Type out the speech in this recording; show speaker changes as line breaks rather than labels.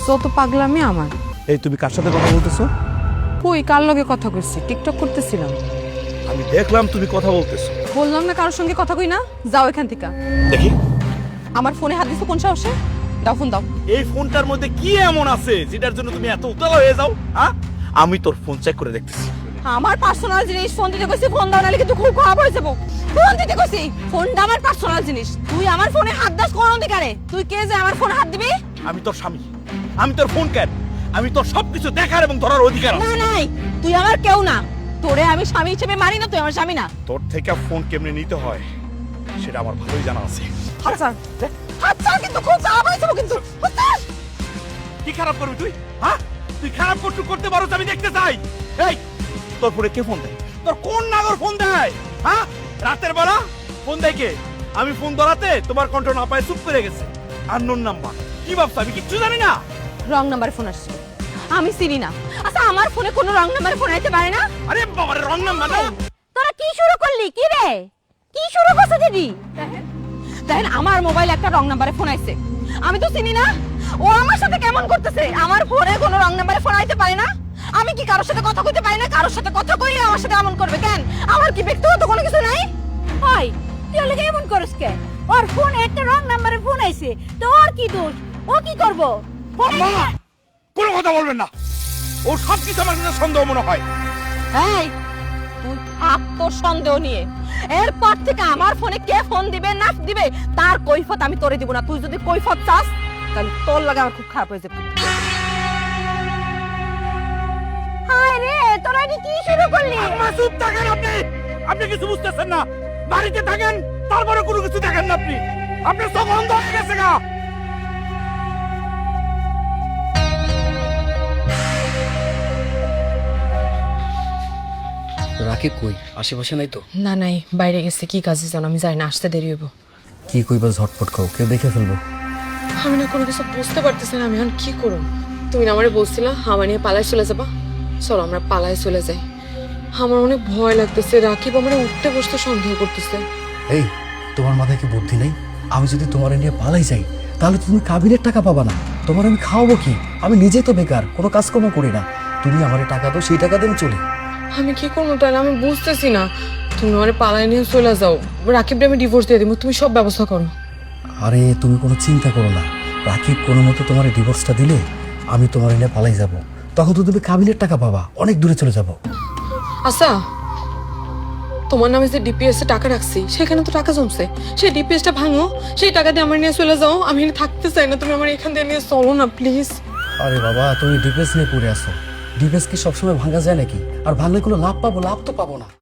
যত পাগলামি আমার।
এই তুমি কার সাথে কথা বলতেছো?
কই কার লগে কথা কইছি? টিকটক করতেছিলাম।
আমি দেখলাম তুমি কথা বলতেছো।
বললাম না কারোর সঙ্গে কথা কই না, যাও এখান থেকে।
দেখি
আমার ফোনে হাত দিছো কোন সাহসে? দাও ফোন দাও।
এই ফোনটার মধ্যে কি এমন আছে যেটার জন্য তুমি এত উতলা হয়ে যাও? হ্যাঁ, আমি তোর ফোন চেক করে দেখতেছি।
আমার পার্সোনাল জিনিস ফোন দিতে কইছি, ফোন দাও নালে কিন্তু খুব খারাপ হয়ে যাবো। ফোন দিতে কইছি, ফোনটা আমার পার্সোনাল জিনিস। তুই আমার ফোনে হাত দাস কোন অধিকারে? তুই কে যে আমার ফোনে হাত দিবি?
আমি তোর স্বামী, আমি তোর ফোন কেন, আমি তোর সবকিছু দেখার এবং ধরার অধিকার আছে।
না নাই, তুই আমার কেউ না। তোরে আমি স্বামী হিসেবে মানি না, তুই আমার স্বামী না।
তোর থেকে ফোন কেমনে নিতে হয় সেটা আমার ভালোই জানা আছে।
আচ্ছা আচ্ছা, কিন্তু খুব খারাপ হয়ে যাবো কিন্তু।
কি খারাপ করবি তুই? হ্যাঁ, তুই খারাপ করতে পারো আমি দেখতে চাই। এই তোর ফোনে কে ফোন দেয়? তোর কোন নাগর ফোন দেয়? হ্যাঁ, রাতের বেলা ফোন দেয় কে? আমি ফোন ধরাতে তোমার কণ্ঠ না পায় চুপ করে গেছে। Unknown number. কি ভাবছো আমি কিচ্ছু জানি না?
রং নাম্বারে ফোন আসছে, আমি চিনি না। আচ্ছা আমার ফোনে কোনো রং নাম্বারে ফোন আইতে পারে না?
আরে বাবা রে, রং নাম্বার না।
তোরা কি শুরু করলি? কি রে, কি শুরু করছ দিদি? দেখেন আমার মোবাইল একটা রং নাম্বারে ফোন আইছে, আমি তো চিনি না। ও আমার সাথে কেমন করতেছে? আমার ফোনে কোনো রং নাম্বারে ফোন আইতে পারে না। আমি কি কারোর সাথে কথা কইতে পারি না? কারোর সাথে কথা কইলে আমার সাথে এমন করবে কেন? আমার কি ব্যক্তিগত কোনো কিছু নাই?
ওই তুই ওকে এমন করিস কে? ওর ফোন একটা রং নাম্বারে ফোন আইছে, তো ওর কি দোষ? ও কি করবো?
আম্মা, কোনো কথা বলবেন না। ওর সব কিছু আমার কাছে সন্দেহ মনে হয়।
এই তুই থাক তোর সন্দেহ নিয়ে। এরপর থেকে আমার ফোনে কে ফোন দিবে না দিবে তার কৈফত আমি তোরে দিব না। তুই যদি কৈফত চাস তাহলে তোর লাগে আমার খুব খারাপ হয়ে যাবে।
হায় রে, তোরা এটা কি শুরু করলি?
আম্মা চুপ থাকেন আপনি। আপনি কিছু বুঝতেছেন না। বাড়িতে থাকেন তারপরে কোনো কিছু দেখেন না আপনি। আপনার চোখ অন্ধ হয়ে গেছে গা।
রাকিব কই? আশেপাশে নাই তো?
না নাই, বাইরে গেছে। কি কাজে জানো? আমি যাই না, আসতে দেরি হইব।
কি কইবা ঝটপট খাও, কেউ দেখে ফেলবো।
আমি না কোনো কিছু বুঝতে পারতেছি না, আমি এখন কি করব? তুমি না আমারে বলছিলা হামা নিয়ে পালায় চলে যাবা। চলো আমরা পালায় চলে যাই। আমার অনেক ভয় লাগতেছে। রাকিব আমার উঠতে বসতে সন্দেহ করতেছে।
এই, তোমার মাথায় কি বুদ্ধি নেই? আমি যদি তোমার নিয়ে পালাই যাই তাহলে তুমি কাবিনের টাকা পাবা না। তোমার আমি খাওয়াবো কি? আমি নিজে তো বেকার, কোনো কাজকর্ম করি না। তুমি আমার টাকা দাও, সেই টাকা দিয়ে চলি।
আমি কি করবো তাহলে? আমি বুঝতেছি না। তুমি আমার পালায় নিয়ে চলে যাও, রাকিবকে আমি ডিভোর্স দিয়ে দিব। তুমি সব ব্যবস্থা করো।
আরে তুমি কোনো চিন্তা করো না। রাকিব কোনো মতো তোমার ডিভোর্সটা দিলে আমি তোমার নিয়ে পালাই যাব। তখন তো তুমি কাবিনের টাকা পাবা, অনেক দূরে চলে যাব।
আচ্ছা, তোমার নামে যে ডিপিএস এ টাকা রাখছি সেখানে তো টাকা জমছে। সেই ডিপিএসটা ভাঙো, সেই টাকা দিয়ে আমার নিয়ে চলে যাও। আমি এখানে থাকতে চাই না, তুমি আমার এখান থেকে নিয়ে চলো না প্লিজ।
আরে বাবা, তুমি ডিফেন্স নিয়ে পড়ে আসো। ডিফেন্স কি সবসময় ভাঙা যায় নাকি? আর ভাঙলে কোনো লাভ পাবো? লাভ তো পাবো না।